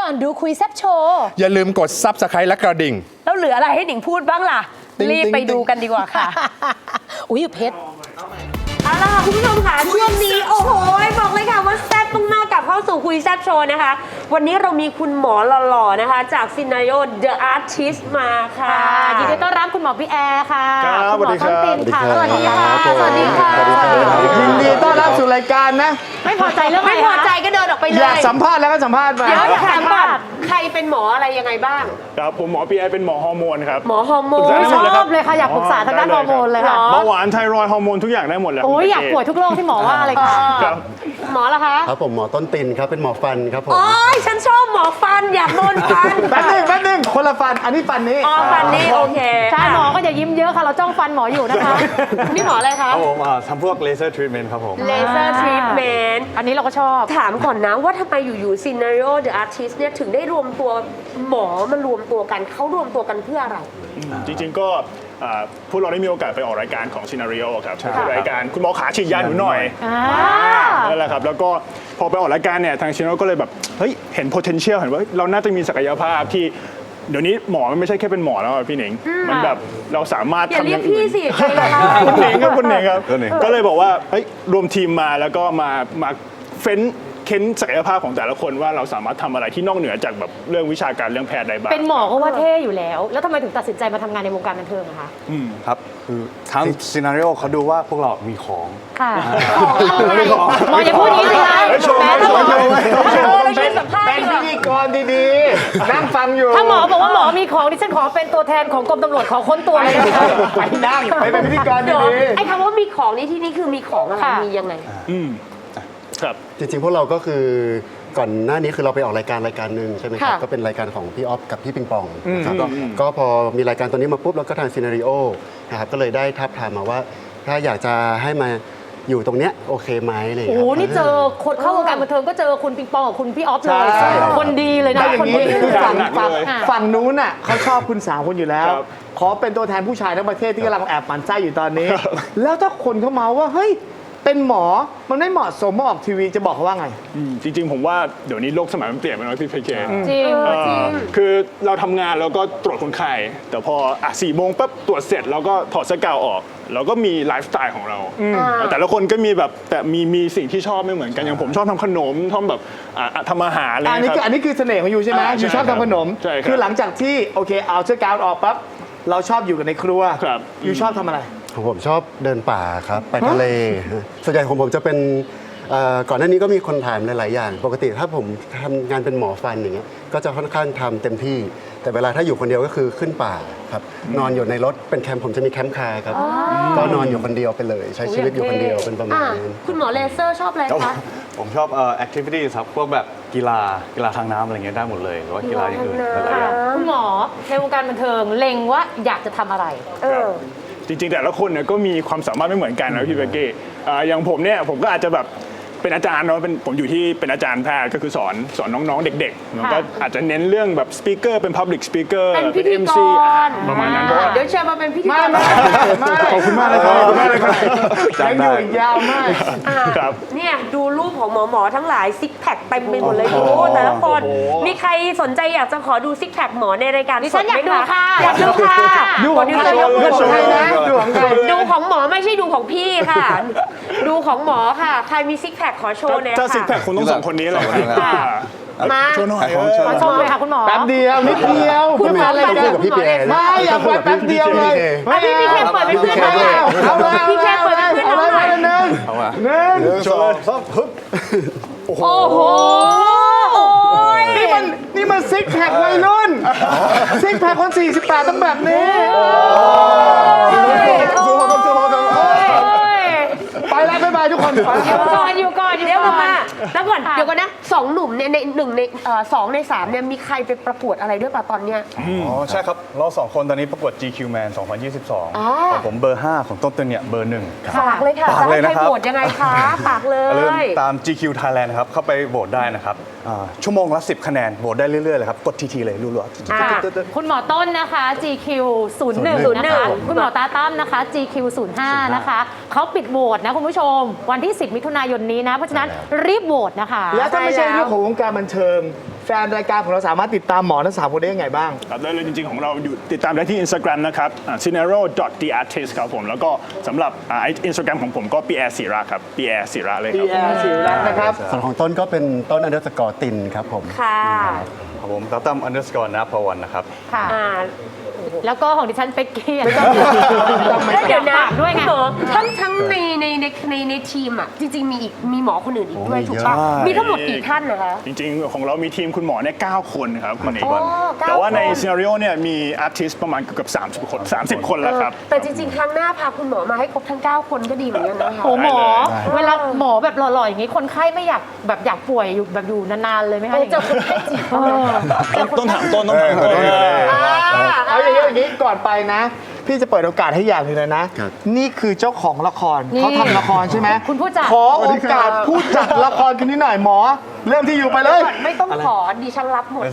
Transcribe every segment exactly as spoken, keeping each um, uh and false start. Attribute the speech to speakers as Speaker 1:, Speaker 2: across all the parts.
Speaker 1: อนดูคุยแซบโชว์
Speaker 2: อย่าลืมกด ซับสไครบ์ และกระดิ่ง
Speaker 3: แล้วเหลืออะไรให้หนิงพูดบ้างล่ะ รีบไปดูกันดีกว่าค่ะ
Speaker 1: อุ้ยเพชร
Speaker 3: เอาล่ะคุณผู้ชมค่ะช่วงนี้โอ้โหบอกเลยค่ะว่าแซ่บมากๆกับเข้าสู่คุยแซ่บโชว์นะคะวันนี้เรามีคุณหมอหล่อๆนะคะจากซินาริโอ The Artist มาค่ะ
Speaker 1: ยินดีต้อนรับคุณหมอพี่แอร์ค่ะ
Speaker 4: ครับ
Speaker 1: คุณหมอต้นตินค่ะ
Speaker 4: ส
Speaker 1: ส
Speaker 4: วั
Speaker 1: วั
Speaker 4: ส
Speaker 1: ส
Speaker 4: ดี
Speaker 1: ดี
Speaker 4: ครั
Speaker 1: ค่ะ
Speaker 4: บ
Speaker 1: สวัสดีค่ะสวัสดีค่ะ
Speaker 4: ยินดีต้อนรับสู่รายการนะ
Speaker 1: ไม่พอใจเรื่องอะไร
Speaker 3: ไม่พอใจก็เดินออกไปเล
Speaker 4: อย ยากสัมภาษณ์แล้วก็สัมภาษณ์ไป
Speaker 3: เดี๋ยวถามก่อนใครเป็นหมออะไรยังไงบ้าง
Speaker 5: ครับผมหมอปีไอเป็นหมอฮอร์โมนครับ
Speaker 3: หมอฮอร์โมน
Speaker 5: ปรึกษาได้หมดเลย
Speaker 1: ชอบเลยค่ะอยากปรึกษาทางด้านฮอร์โมนเลยค่ะ
Speaker 5: เบาหวานไทรอยด์ฮอร์โมนทุกอย่างได้หมดเลย
Speaker 1: โอ้ยอยากป่วยทุกโรคที่หมอว่าเลยค่ะ
Speaker 5: ครับ
Speaker 3: หมอละคะ
Speaker 4: ครับผมหมอต้นตินครับเป็นหมอฟันครับผม
Speaker 3: โอ้ยฉันชอบหมอฟันอยากโดนฟัน
Speaker 4: แป๊บนึงแป๊บนึงคนละฟันอันนี้ฟันนี้
Speaker 3: อ๋อฟันนี่โอเค
Speaker 1: ใช่หมอก็จะยิ้มเยอะค่ะเราจ้องฟันหมออยู่นะคะ
Speaker 3: นี่หมออะไรคะ
Speaker 6: ครับผมอ่าทำพวกเลเซอร์ทรีทเมนต์ครับผม
Speaker 3: เลเซอร์ทรีทเมนต์
Speaker 1: อันนี้เราก็ชอบ
Speaker 3: ถามก่อนนะว่าทำไมอยู่ๆ Scenario The Artist เนี่ยถึงได้รวมตัวหมอมารวมตัวกันเขารวมตัวกันเพื่ออะไร
Speaker 5: จริงๆก็อ่าพวกเราได้มีโอกาสไปออกรายการของ Scenario ครับคือรายการคุณหมอขาฉีดยาหนูหน่อย
Speaker 1: อ่า
Speaker 5: นั่นแหละครับแล้วก็พอไปออกรายการเนี่ยทาง Scenario ก็เลยแบบเฮ้ยเห็น potential เห็นว่าเราน่าจะมีศักยภาพที่เดี๋ยวนี้หมอมันไม่ใช่แค่เป็นหมอแล้วอะพี่หนิงมันแบบเราสามารถ
Speaker 3: อย่า
Speaker 5: ทำ
Speaker 3: เรี
Speaker 5: อย
Speaker 3: ก
Speaker 5: ย่าง
Speaker 3: พี่
Speaker 5: อื่น
Speaker 3: สิใครล่ะคะ
Speaker 5: คุณหนิงครับคุณหนิงครับ
Speaker 6: คุณหนิง
Speaker 5: ก็เลยบอกว่าเฮ้ยรวมทีมมาแล้วก็มามาเฟ้นเค้นศักยภาพของแต่ละคนว่าเราสามารถทำอะไรที่นอกเหนือจากแบบเรื่องวิชาการเรื่องแพทย์ได้บ้าง
Speaker 1: เป็นหมอก็ว่าเท่อยู่แล้ว แล้วทำไมถึงตัดสินใจมาทำงานในวงการบันเทิงอะคะ
Speaker 6: ครับ คือทั้งซีนารีโอเขาดูว่าพวกเรามีของ
Speaker 1: ค่ะหมออย่าพูดอย่างนี้สิคะ
Speaker 5: เฮ้ยโชว์
Speaker 1: แหม
Speaker 5: โชว์โชว์
Speaker 3: เออเรายืนสัมภาษณ์
Speaker 4: เป็น
Speaker 3: ดีก
Speaker 4: พิ
Speaker 3: ว่า
Speaker 4: ธีกรดีๆ นั่งฟังอยู่
Speaker 1: ถ้าหมอบอกว่าหมอมีของดิฉันขอเป็นตัวแทนของกรมตำรวจขอค้นตัวเลยนะคะ
Speaker 4: ไปนั่งไปเป็นพิธีกร
Speaker 3: เดี๋ยว
Speaker 4: ดี
Speaker 3: ไอ้คำว่ามีของนี่ที่นี่คือมีของอะไร
Speaker 1: ค่ะ
Speaker 3: มียังไง
Speaker 5: อืมครับ
Speaker 4: จริงๆพวกเราก็คือก่อนหน้านี้คือเราไปออกรายการรายการหนึ่งใช่ไหมครับ
Speaker 3: ค่ะ
Speaker 4: ก็เป็นรายการของพี่ออฟกับพี่ปิงปองนะครับก็ก็พอมีรายการตัวนี้มาปุ๊บแล้วก็ทางซีนารีโอนะครับก็เลยได้ทับทามมาว่า ถ้าอยากจะให้มาอยู่ตรงเนี้ยโอเคไหมอะไรอย่าง
Speaker 1: โอ้
Speaker 4: เงี้ย
Speaker 1: โห
Speaker 4: ครับ
Speaker 1: นี่เจอคนเข้าวงการบันเทิงก็เจอคุณปิงปองกับคุณพี่ออฟเลย
Speaker 4: ใช่
Speaker 1: คนดีเลยนะ
Speaker 7: แต่อย่า
Speaker 1: คน
Speaker 7: งนี้
Speaker 1: ดี
Speaker 7: คือฝั่ง
Speaker 5: หนัก
Speaker 7: ฝั่ง
Speaker 5: เลย
Speaker 7: ฝั่งนู้นน่ะเขาชอบคุณสาวคุณอยู่แล้ว
Speaker 5: ครับ
Speaker 7: ขอเป็นตัวแทนผู้ชายทั้งประเทศที่กำลังแอบหมั่นไส้อยู่ตอนนี้ แล้วถ้าคนเขาเมาว่าเฮ้ยเป็นหมอมันไม่เหมาะสมมาออกทีวีจะบอกเขาว่าไง
Speaker 5: อืมจริงๆผมว่าเดี๋ยวนี้โลกสมัยมันเปลี่ยนไปแล้วพี่เพเค
Speaker 1: จริง
Speaker 3: เออจริง
Speaker 5: คือเราทำงานแล้วก็ตรวจคนไข้แต่พออ่ะสี่โมงปั๊บตรวจเสร็จเราก็ถอดเสื้อกาวออกเราก็มีไลฟ์สไตล์ของเรา แต่ละคนก็มีแบบแต่มีมีสิ่งที่ชอบไม่เหมือนกันอย่างผมชอบทำขนมชอบแบบอ่ะอ่ะทำอาหารอะไร
Speaker 7: อันนี้
Speaker 5: เงี้ย
Speaker 7: คือ
Speaker 5: ค
Speaker 7: อั
Speaker 5: รับ
Speaker 7: นนี้คือเสน่ห์ของยูใช่ไหม
Speaker 5: อ่าใช่
Speaker 7: ยูชอบทำขนม
Speaker 5: ใช่ครับ
Speaker 7: คือหลังจากที่โอเคเอาเสื้อกาวออกปั๊บเราชอบอยู่กันในครัว
Speaker 5: ครับ
Speaker 7: ยูชอบทำอะไร
Speaker 4: ของผมชอบเดินป่าครับไปทะเลส่วนใหญ่ของผมจะเป็นเอ่อก่อนหน้านี้ก็มีคนถามหลาย ๆ อย่าง ปกติถ้าผมทำงานเป็นหมอฟันอย่างเงี้ยก็จะค่อนข้างทำเต็มที่ แต่เวลาถ้าอยู่คนเดียวก็คือขึ้นป่าครับนอนอยู่ในรถเป็นแคมป์ผมจะมีแคมป์คาร์ครับก็นอนอยู่คนเดียวไปเลย ใช้ชีวิตอยู่คนเดียวเป็นประมาณ
Speaker 3: อ่ะ
Speaker 4: นั้น
Speaker 3: คุณหมอเลเซอร์ชอบอะไรคะ
Speaker 6: ผมชอบเอ่อแอคทิวิตี้ครับ พวกแบบกีฬากีฬาทางน้ำอะไรเงี้ยได้หมดเลย หรือว่ากีฬาอย่างอื่นหลายๆอย่าง
Speaker 1: คุณหมอในวงการบันเทิงเล็งว่าอยากจะทำอะไร
Speaker 3: เออ
Speaker 5: จริงๆแต่ละคนเนี่ยก็มีความสามารถไม่เหมือนกันนะพี่เบกกี้อ่าอย่างผมเนี่ยผมก็อาจจะแบบเป็นอาจารย์เนาะเป็นผมอยู่ที่เป็นอาจารย์แพทย์ก็คือสอนสอนน้องๆเด็กๆมันก็อาจจะเน้นเรื่องแบบสปีกเกอร์เป็น Public Speaker
Speaker 3: เป็นพิธี
Speaker 5: เอ็ม
Speaker 3: ก
Speaker 5: ซี
Speaker 3: ร
Speaker 5: ประมาณนั้นเพราะว่า
Speaker 3: เดี๋ยวเชิญมาเป็นพิธีกร
Speaker 5: ขอบคุณมากเลยครับขอบคุณมากเลยครับ
Speaker 7: ยังอยู่อีกยาวมาก
Speaker 3: อ่ะ
Speaker 5: ครับ
Speaker 3: เนี่ยดูรูปของหมอหมอๆทั้งหลายซิกแพคเต็มไปหมดเลยดูแต่ละคนมีใครสนใจอยากจะขอดูซิกแพคหมอในรายการ
Speaker 1: ดิฉันอยากดูค่ะ
Speaker 3: อยากดูค่ะ
Speaker 7: ดูของใคร
Speaker 3: ยกมือ
Speaker 7: ดูของใครนะดูของใคร
Speaker 3: ดูของหมอไม่ใช่ดูของพี่ค่ะ ดูของหมอค่ะ ใครมีซิกแพคขอโชว์หน่อย
Speaker 5: ถ้าซิกแพ
Speaker 3: ค่ะ
Speaker 5: คคงต้องสองคนนี้เลย
Speaker 6: สองคนนี้
Speaker 5: อ่า
Speaker 3: มา
Speaker 5: โชว์หน่อย
Speaker 6: ขายของ
Speaker 5: เออ
Speaker 6: โชว์
Speaker 1: ขอชมเลยค่ะคุณหมอ
Speaker 7: แป๊บเดียวนิดเดียว
Speaker 3: คุณหมอ
Speaker 7: เป็น
Speaker 3: ไป
Speaker 7: อะไร
Speaker 3: ดู
Speaker 7: กัน
Speaker 4: กับพี่เปีย
Speaker 7: ไม่อยากไปแป๊บเดียวเลย
Speaker 3: อ่ะพี่พี่เคเปิดเป็นเพื่อนหน่อย
Speaker 7: เอาเลย
Speaker 3: พี่เคเปิดเป็นเพื่อน
Speaker 7: เอา
Speaker 3: น้อง
Speaker 7: เลย
Speaker 3: หน่อย
Speaker 7: หนึ่ง
Speaker 6: เอามา
Speaker 7: หนึ่ง
Speaker 6: หนึ่งสองสามฮึบ
Speaker 3: โอ้โหโอ้ย
Speaker 7: นี่มันนี่มันซิกแพควัยรุ่นซิกแพคคนสี่สิบแปดต้องแบบนี้
Speaker 6: สู้ครับสู้ครับ
Speaker 7: ไปแล้วบ๊ายบายทุกคนไป
Speaker 1: อยู่ก่อนอยู่ก่อนอยู่
Speaker 3: เดี๋ยว
Speaker 1: ก่
Speaker 3: ก่
Speaker 1: อ
Speaker 3: อน
Speaker 1: น
Speaker 3: มาแล้วก่อนเดี๋ยวก่อนนะสองหนุ่มเนี่ยในหนึ่งในเอ่อสองในสามเนี่ยมีใครไปประกวดอะไรด้วยป่ะตอนเนี้ย
Speaker 6: อ๋อใช่ครับ เราสองคนตอนนี้ประกวด จี คิว Man สองพันยี่สิบสอง
Speaker 3: อ๋อ
Speaker 6: ของผมเบอร์ ห้า ของต้นต้นเนี่ยเบอร์หนึ่งครับ
Speaker 3: ฝากเลยค่ะ
Speaker 6: ฝาก
Speaker 3: จะ
Speaker 6: เล
Speaker 3: ให้
Speaker 6: ย
Speaker 3: ใคร
Speaker 6: นะครับ
Speaker 3: โหวตยังไงคะฝากเล
Speaker 6: อย่าลืม
Speaker 3: ย
Speaker 6: ตาม จี คิว Thailand นะครับ เข้าไปโหวตได้นะครับอ่าชั่วโมงละสิบคะแนน โหวตได้เรื่อยๆเลยครับ กดทีทีเลยรัว
Speaker 3: อ่า
Speaker 6: ๆ
Speaker 1: คุณหมอต้นนะคะ จี คิว ศูนย์หนึ่ง นะคะคุณหมอตาตั้มนะคะ จี คิว ศูนย์ห้า นะคะเขาปิดโหวตนะคุณผู้ชม วันที่ สิบ มิถุนายนนี้นะ เพราะฉะนั้นรีบโหวตนะคะ
Speaker 7: แล้วถ้าไม่ใช่เรื่องของวงการบันเทิงแฟนรายการของเราสามารถติดตามหมอทั้งสามคนได้ยังไงบ้าง
Speaker 5: ครับได้เลยจริงๆของเราอยู่ติดตามได้ที่ Instagram นะครับ scenario dot the artist ครับผมแล้วก็สำหรับอินสตาแกรมของผมก็ปีแอร์ศิระครับปีแอร์ศิระเลยครับ
Speaker 7: พี่แอร์ศิรัตน์นะครับ
Speaker 4: ส่วนของต้นก็เป็นต้นอันเดอร์สกอร์ตินครับผม
Speaker 3: ค่ะ
Speaker 6: ครับผมตั้ม underscore นะพวันนะครับ
Speaker 1: ค่ะ
Speaker 3: อ่า
Speaker 1: แล้วก็ของดิฉันเป็กกี้
Speaker 7: ไม่ต้อง
Speaker 3: แล้วเดี๋ยวนะ
Speaker 1: ฝากด้วยไง
Speaker 3: หมอทั้งทั้งในในในในในทีมอ่ะจริงๆมีอีกมีหมอคนอื่นอีกด้วย
Speaker 4: โอ้
Speaker 3: ถูก
Speaker 4: มี
Speaker 3: ปะ
Speaker 4: เยอะ
Speaker 3: มีทั้งหมดกี่ท่านนะคะ
Speaker 5: จริงๆ ของเรามีทีมคุณหมอเนี่ยเก้าคนครับคุณเอก
Speaker 3: โอ้เก้า
Speaker 5: แต่ว่าใน
Speaker 3: คน
Speaker 5: ซีนารีโอเนี่ยมีอาร์ติสประมาณเกือบสามสิบคนสามสิบคนแล้วครับ
Speaker 3: เออแต่จริงๆ ครั้งหน้าพาคุณหมอมาให้ครบทั้ง เก้า คนก็ดีเหมือนกันนะคะ
Speaker 1: โอ้หมอ
Speaker 5: ได้เลย
Speaker 1: เวลาหมอแบบหล่อๆอย่างนี้คนไข้ไม่อยากแบบอยากป่วยอยู่แบบอยู่นานๆเลยไหม
Speaker 3: เอ
Speaker 1: คะ
Speaker 3: อเจอคนไข้จีบ
Speaker 1: เออ
Speaker 5: ต้นต้นถามต้นต้องถามต้น
Speaker 7: เอาอย่างนี้อย่างนี้ก่อนไปนะ พี่จะเปิดโอกาสให้อย่างหนึงเลยนะ
Speaker 4: ครับ
Speaker 7: นี่คือเจ้าของละคร
Speaker 1: นี่
Speaker 7: เขาทำละครใช่ไหม
Speaker 1: คุณผู้จัด
Speaker 7: ขอโอกาสผู้จัดละครคนนี้หน่อยหมอ เริ่มที่อยู่ไปเลย
Speaker 3: ไม่ต้องขอดิฉันรับหมด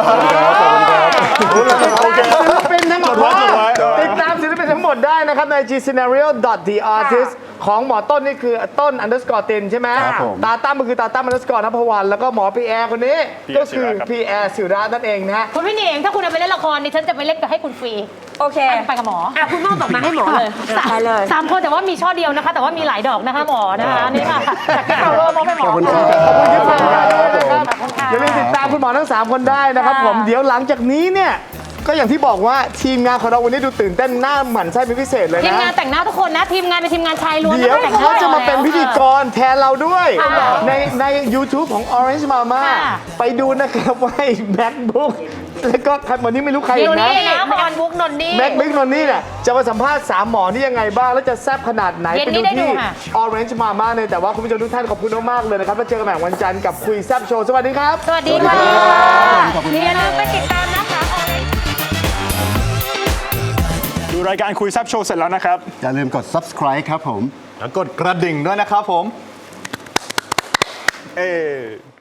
Speaker 7: โอเคศิลปินทั้งหมด
Speaker 5: จดไว้จดไว้เออ
Speaker 7: ติดตามศิลปินทั้งหมดได้นะครับใน g-scenario dot the artist ของหมอต้นนี่คือต้น underscore ตินใช่ไหม
Speaker 4: ครับผม
Speaker 7: ตาตั้มก็คือตาตั้ม underscore นภวัน แล้วก็หมอพีแอร์คนนี้
Speaker 5: พี่แอ
Speaker 7: ก็
Speaker 5: ร์ศิ
Speaker 7: คือ
Speaker 5: ระครับ
Speaker 7: พีแอร์ศิระนั่นเองนะฮะ
Speaker 1: คุณพี่หนิงถ้าคุณเอาไปเล่นละครดิฉันจะไปเล่นกับให้คุณฟรี
Speaker 3: โอเค
Speaker 1: ไปกับหมอ
Speaker 3: อ่ะคุณหมอบอกมาให้หมอเลย
Speaker 1: สาม
Speaker 3: ไปเลย
Speaker 1: สามคนแต่ว่ามีช่อเดียวนะคะ แต่ว่ามีหลายดอกนะคะหมอนะคะนี่ค่ะจากที่ power มอบให้หมอ
Speaker 4: ขอบคุณครับ
Speaker 7: ขอบคุณที่ฟังกันด้วยนะครับ
Speaker 1: ขอบคุณค่ะ
Speaker 7: อย่าลืมติดตามคุณหมอทั้ง 3 คนได้นะครับ
Speaker 1: ค่ะ
Speaker 7: ผมเดี๋ยวหลังจากนี้เนี่ย ก็อย่างที่บอกว่าทีมงานของเราวันนี้ดูตื่นเต้นหน้าหมั่นไส้เป็นพิเศษเลย
Speaker 1: ทีม
Speaker 7: นะ
Speaker 1: งานแต่งหน้าทุกคนนะ ทีมงานเป็นทีมงานชายล้วน
Speaker 7: เดี๋ยว
Speaker 1: แต่งหน้
Speaker 7: เขาจะมาเป็นพิธีก
Speaker 1: ร
Speaker 7: รแทนเราด้วย
Speaker 1: ค่ะ
Speaker 7: ในใน YouTube ของ Orange Mama
Speaker 1: ค่ะ
Speaker 7: ไปดูนะครับว่า MacBook แล้วก็ใครวันนี้ไม่รู้ใคร
Speaker 1: เดี๋
Speaker 7: อี
Speaker 1: ยว
Speaker 7: กนะ
Speaker 1: นี้นะหมอนบุ๊กนนนี่
Speaker 7: แม็กบิ๊กนนนี่เนี่ยจะมาสัมภาษณ์สามหมอนี่ยังไงบ้าง แล้วจะแซ่บขนาดไหน
Speaker 1: เย็น
Speaker 7: ไป
Speaker 1: นี้
Speaker 7: ดู
Speaker 1: ได้ดู
Speaker 7: ที่
Speaker 1: ค่ะ
Speaker 7: Orange Mama เลยแต่ว่าคุณผู้ชมทุกท่านขอบคุณมากๆเลยนะครับแล้วเจอกันใหม่วันจันทร์กับคุยแซ่บโชว์สวัสดีครับ
Speaker 1: สวัสดีค่ะ
Speaker 4: ขอบคุณครับ
Speaker 1: อย่าลืมไปติดตามนะคะ
Speaker 5: ดูรายการคุยแซบโชว์เสร็จแล้วนะครับ
Speaker 4: อย่าลืมกด subscribe ครับผม
Speaker 6: แล้วกดกระดิ่งด้วยนะครับผม เอ